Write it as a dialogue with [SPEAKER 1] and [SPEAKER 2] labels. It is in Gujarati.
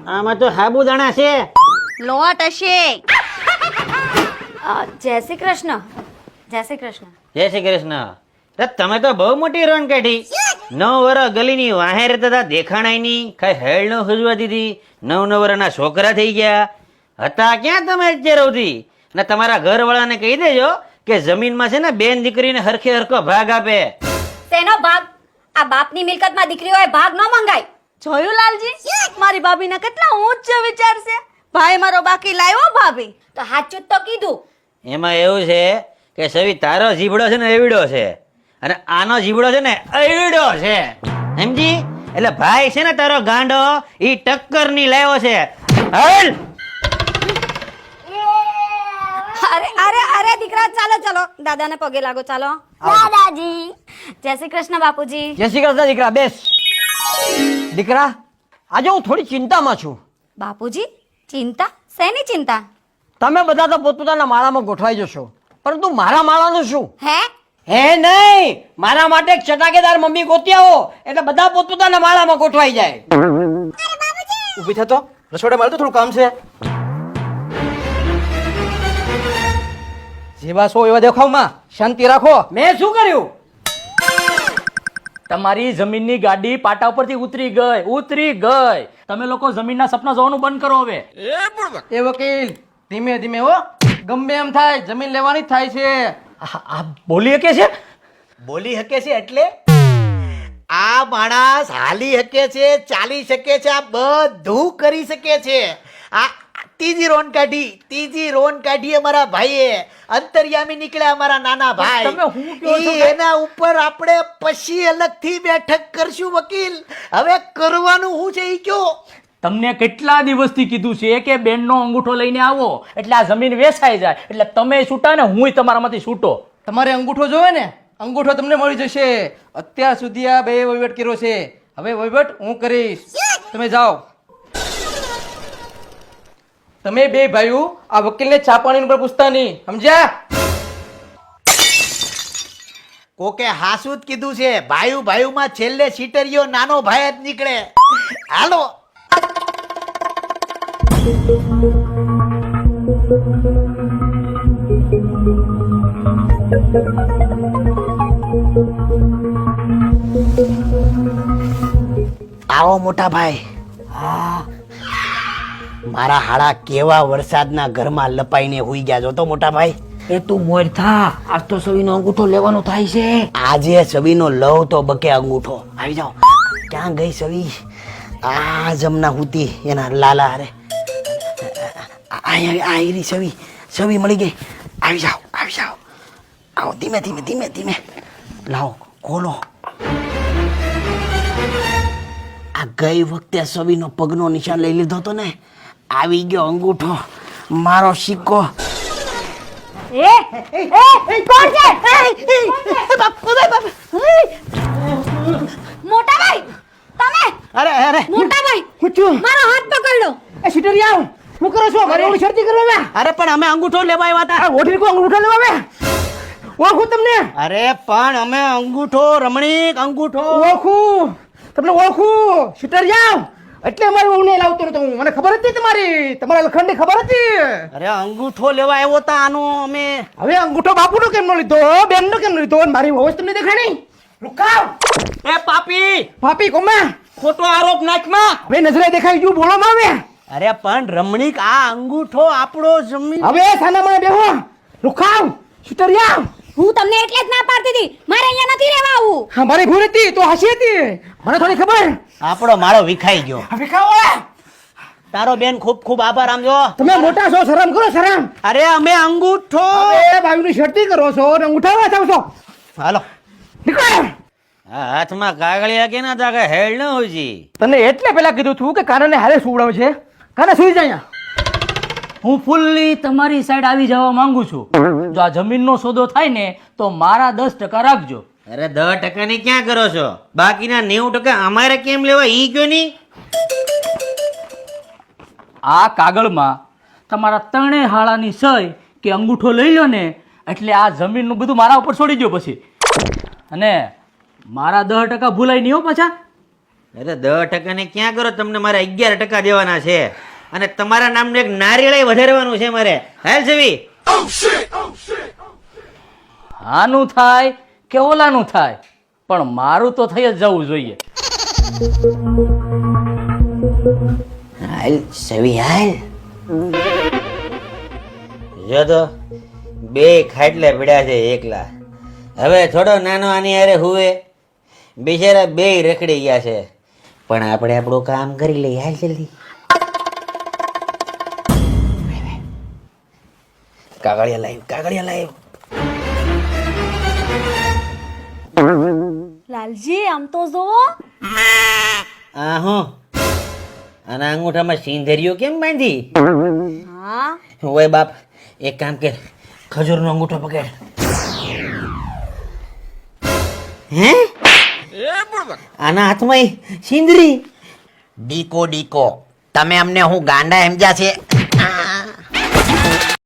[SPEAKER 1] આમાં તો સાબુદાણા છે.
[SPEAKER 2] લોટ હશે. જય શ્રી કૃષ્ણ. જય શ્રી કૃષ્ણ.
[SPEAKER 1] જય શ્રી કૃષ્ણ. અરે તમે તો બહુ મોટી રણ કાઢી. 9 વર્ષ ગલીની વાહે રહેતા હતા, દેખાણાય નહીં, કઈ હેળ ન ખુજવા દીધી. 9 વર્ષના છોકરા થઈ ગયા હતા. ક્યાં તમે અત્યારે સુધી? ને તમારા ઘરવાળાને કહી દેજો કે જમીનમાં છે ને બેન દીકરીને હરખે હરખો ભાગ આપે.
[SPEAKER 2] તેનો ભાગ? આ બાપની મિલકતમાં દીકરીઓએ ભાગ ન મંગાય.
[SPEAKER 3] જોયું લાલજી, મારી ભાભીના કેટલા ઊંચ વિચાર છે. ભાઈ મારો બાકી લાવ્યો ભાભી.
[SPEAKER 2] તો સાચું જ તો કીધું.
[SPEAKER 1] એમાં એવું છે કે સવી તારો જીબડો છે ને એવડો છે, અને આનો જીબડો છે ને એવડો છે, સમજી? એટલે ભાઈ છે ને તારો ગાંડો ઈ ટક્કર ની લાવ્યો છે. હાલ.
[SPEAKER 2] અરે અરે અરે દીકરા, ચાલો ચાલો, દાદાને પગે લાગો. ચાલો દાદાજી. જય શ્રી કૃષ્ણ બાપુજી.
[SPEAKER 4] જય શ્રી કૃષ્ણ દીકરા, બેસ. દીકરા, આજે હું થોડી ચિંતામાં છું.
[SPEAKER 2] બાપુજી, ચિંતા? શેની ચિંતા?
[SPEAKER 4] તમે બધા તો પોતપોતાના માળામાં ગોઠવાઈ જશો, પરંતુ મારા માળાનું શું?
[SPEAKER 2] હે
[SPEAKER 4] નહીં, મારા માટે એક ચટાકેદાર મમ્મી ગોતી આવો એટલે બધા પોતપોતાના માળામાં ગોઠવાઈ જાય.
[SPEAKER 5] ઊભી થતો, રસોડા મારે તો થોડું કામ છે. જેવા છો એવા દેખાવમાં શાંતિ રાખો.
[SPEAKER 4] મેં શું કર્યું?
[SPEAKER 6] તમારી જમીનની ગાડી પાટા ઉપરથી ઉતરી ગઈ. તમે લોકો જમીનના સપના જોવાનું બંધ કરો હવે.
[SPEAKER 5] એ વકીલ, ધીમે ધીમે હો, ગમે એમ થાય જમીન લેવાની જ થાય છે.
[SPEAKER 6] આ બોલી શકે છે?
[SPEAKER 7] બોલી શકે છે એટલે આ માણસ હાલી શકે છે, ચાલી શકે છે, આ બધું કરી શકે છે. આ ત્રીજી રોન કાઢી અમારા ભાઈએ. અંતર્યામી નીકળ્યા અમારા નાના ભાઈ.
[SPEAKER 6] તમે હું કહો છો?
[SPEAKER 7] એના ઉપર આપણે પછી અલગથી બેઠક કરશું વકીલ. હવે કરવાનું શું છે ઈ કયો?
[SPEAKER 6] તમને કેટલા દિવસથી કીધું છે કે બેનનો અંગૂઠો લઈને આવો એટલે આ જમીન વેચાઈ જાય, એટલે તમે છૂટા ને હુંય તમારામાંથી છૂટો.
[SPEAKER 5] તમારે અંગૂઠો જોવે ને, અંગૂઠો તમને મળી જશે. અત્યાર સુધી આ બે વહીવટ કર્યો છે, હવે વહીવટ હું કરીશ. તમે જાઓ. તમે બે ભાઈઓ આ વકીલને ચા પાણી ઉપર પૂછતા નહીં, સમજ્યા?
[SPEAKER 7] કોકે હાસું જ કીધું છે. ભાઈમાં છેલ્લે સીટરિયો નાનો ભાઈ જ નીકળે. હાલો. આવો મોટા ભાઈ. મારા હાડા કેવા વરસાદના ઘરમાં લપાઈને હુઈ ગયા છો તો મોટા ભાઈ.
[SPEAKER 4] એ તું મોર થા, આજ તો સવીનો અંગૂઠો લેવાનો થાય છે.
[SPEAKER 7] આજે સવીનો લવ તો બકે અંગૂઠો. આવી જાઓ. ક્યાં ગઈ સવી? આ જમના હુતી એના લાલા હારે. આયરી સવી મળી ગઈ. આવી જાઓ. આવો, ધીમે. લાવો, ખોલો. આ ગઈ વખતે સવીનો પગનો નિશાન લઈ લીધો તો ને, આવી ગયો અંગૂઠો, મારો સિક્કો.
[SPEAKER 2] કોણ છે? મોટા ભાઈ, તમે?
[SPEAKER 4] અરે
[SPEAKER 2] મોટા ભાઈ,
[SPEAKER 4] પૂછું.
[SPEAKER 2] મારો હાથ પકડો.
[SPEAKER 4] એ સીટરિયા, શું કરો છો? ઘરે ઓલી શરતી કરવા?
[SPEAKER 7] અરે પણ અમે અંગૂઠો લેવા આવ્યા હતા.
[SPEAKER 4] ઓઠી કો અંગૂઠો લેવા આવે? ઓળખું તમને?
[SPEAKER 7] અરે પણ અમે અંગૂઠો, રમણીક અંગૂઠો.
[SPEAKER 4] ઓળખું તમને, ઓળખું. સીટરિયા, એટલે મારી વહુને લાવતો નતો હું. મને ખબર હતી તમારા લખણની ખબર હતી.
[SPEAKER 7] અરે અંગૂઠો લેવા આવ્યો હતા આનો અમે.
[SPEAKER 4] હવે અંગૂઠો બાપુનો કેમ નો લીધો, બેનનો કેમ નો લીધો? મારી વહુ જ તમને દેખાય નહીં. રૂકાવ.
[SPEAKER 6] એ પાપી,
[SPEAKER 4] પાપી કોમાં?
[SPEAKER 6] ખોટો આરોપ નાખમાં.
[SPEAKER 4] હવે નજરે દેખાઈ ગયું, બોલો માં આવે.
[SPEAKER 7] અરે પણ રમણીક, આ અંગૂઠો આપણો જમીન.
[SPEAKER 4] હવે સાના મને બેહો. રૂકાવ. સીટરિયા,
[SPEAKER 2] હું તમને એટલે જ ના પાડતી હતી, મારે અહીંયા નથી રહેવા આવું.
[SPEAKER 4] હા મારી ભૂલ હતી તો હસી હતી, મને થોડી ખબર.
[SPEAKER 7] આપણો માળો વિખાઈ ગયો.
[SPEAKER 4] હવે ખાઓ.
[SPEAKER 7] તારો બેન ખૂબ આભાર. આમ જો
[SPEAKER 4] તમે મોટા છો, શરમ કરો શરમ.
[SPEAKER 7] અરે અમે અંગૂઠો.
[SPEAKER 4] હવે ભાઈની શરતી કરો છો ને ઉઠાવવા જાવ છો.
[SPEAKER 7] હાલો
[SPEAKER 4] નીકળો.
[SPEAKER 1] આ હાથમાં કાગળિયા કે ના તાકે હેળ ન હોય જી.
[SPEAKER 4] તને એટલે પેલા કીધું તું કે કાનાને હારે સુવડાવ છે. કાના સુઈ જાય.
[SPEAKER 6] હું ફૂલ્લી તમારી સાઈડ આવી જવા માંગુ છું. જો આ જમીનનો સોદો થાય ને તો મારા 10% રાખજો.
[SPEAKER 1] અરે 10% ની ક્યાં કરો છો? બાકીના 90% અમારે કેમ લેવા ઈ કયો નહીં?
[SPEAKER 6] આ કાગળમાં તમારા 3 હાળાની સહી કે અંગૂઠો લઈ લો ને એટલે આ જમીનનું બધું મારા ઉપર છોડી દો પછી. અને મારા 10% ભૂલાય નહીં હો પાછા.
[SPEAKER 1] અરે 10% ને ક્યાં કરો, તમને મારે 11% દેવાના છે અને તમારા નામનું એક નારિયેળ વધારવાનું છે મારે. હાલ છવી
[SPEAKER 6] આનું થાય કે ઓલાનું થાય, પણ મારું તો થઈ જ જવું જોઈએ.
[SPEAKER 1] હાલ છવી હાલ. જો તો બે ખાટલે પડ્યા છે એકલા. હવે થોડો નાનો આની હારે હુવે, બિચારા બે રખડી ગયા છે. પણ આપણે આપણું કામ કરી લઈએ. હાલ જલ્દી. કાગળિયા લાવ.
[SPEAKER 3] લાલજી આમ તો જોવો.
[SPEAKER 1] આ હું આના અંગૂઠામાં સિંધરીઓ કેમ બાંધી?
[SPEAKER 3] હા
[SPEAKER 1] ઓય બાપ, એક કામ કર, ખજૂરનો અંગૂઠો પકડ. હે આના હાથમાં સિંદરી?
[SPEAKER 7] ડીકો તમે અમને હું ગાંડા સમજ્યા છે?